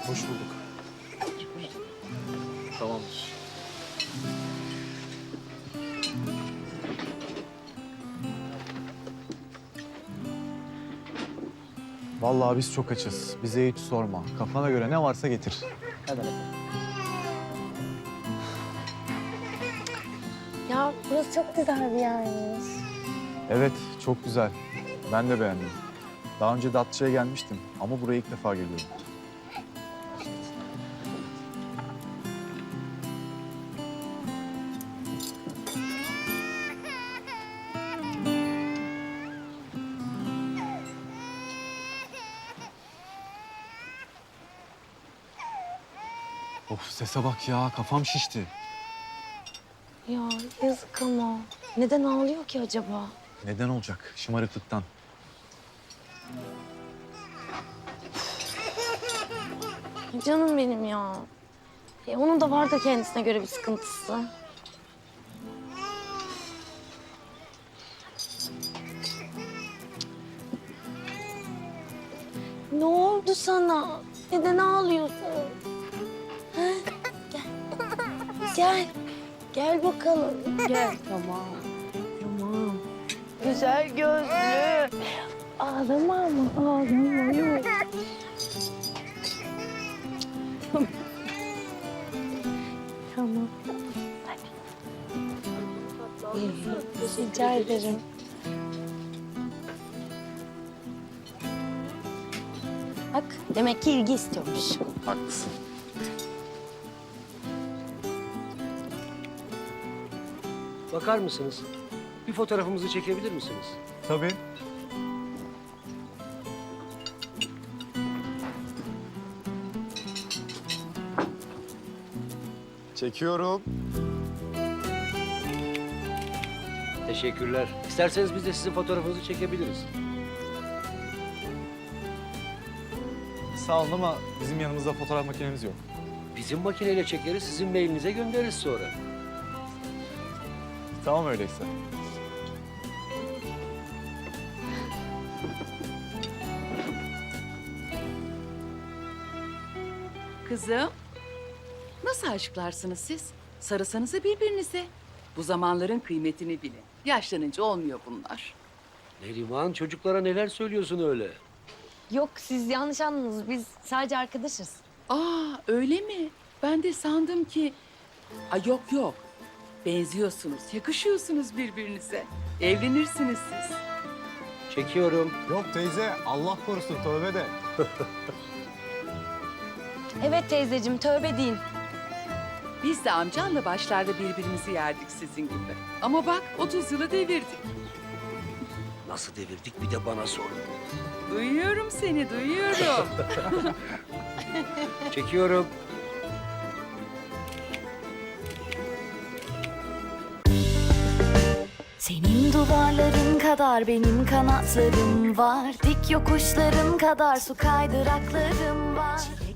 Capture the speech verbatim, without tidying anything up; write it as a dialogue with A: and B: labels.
A: Hoş bulduk. Tamamdır.
B: Vallahi biz çok açız. Bize hiç sorma. Kafana göre ne varsa getir.
A: Hadi bakalım.
C: Ya burası çok güzel bir yermiş.
B: Evet, çok güzel. Ben de beğendim. Daha önce Datça'ya gelmiştim ama buraya ilk defa geliyorum. Of, sese bak ya, kafam şişti.
C: Ya yazık ama. Neden ağlıyor ki acaba?
B: Neden olacak? Şımarıklıktan.
C: Canım benim ya. E, onun da var da kendisine göre bir sıkıntısı. Ne oldu sana? Neden ağlıyorsun? Ha? Gel. Gel. Gel bakalım. Gel. Tamam. Tamam. Güzel gözlü. Ağlama ama ağlama yok. Tamam. Hadi. Rica ederim. Bak demek ki ilgi istiyormuş.
B: Haklısın.
D: Bakar mısınız? Bir fotoğrafımızı çekebilir misiniz?
B: Tabii. Çekiyorum.
D: Teşekkürler. İsterseniz biz de sizin fotoğrafınızı çekebiliriz.
B: Sağ olun ama bizim yanımızda fotoğraf makinemiz yok.
D: Bizim makineyle çekeriz, sizin mailinize göndeririz sonra.
B: Tamam öyleyse.
E: Kızım, nasıl aşıklarsınız siz? Sarısanıza birbirinize. Bu zamanların kıymetini bilin. Yaşlanınca olmuyor bunlar.
D: Neriman, çocuklara neler söylüyorsun öyle?
C: Yok siz yanlış anladınız. Biz sadece arkadaşız.
E: Aa, öyle mi? Ben de sandım ki... Ay yok yok. Benziyorsunuz, yakışıyorsunuz birbirinize. Evlenirsiniz siz.
D: Çekiyorum.
B: Yok teyze, Allah korusun, tövbe de.
C: Evet teyzeciğim tövbe deyin.
E: Biz de amcanla başlarda birbirimizi yerdik sizin gibi. Ama bak otuz yılı devirdik.
D: Nasıl devirdik bir de bana sorun.
E: Duyuyorum seni, duyuyorum.
D: Çekiyorum.
F: Senin duvarların kadar benim kanatlarım var. Dik yokuşların kadar su kaydıraklarım var.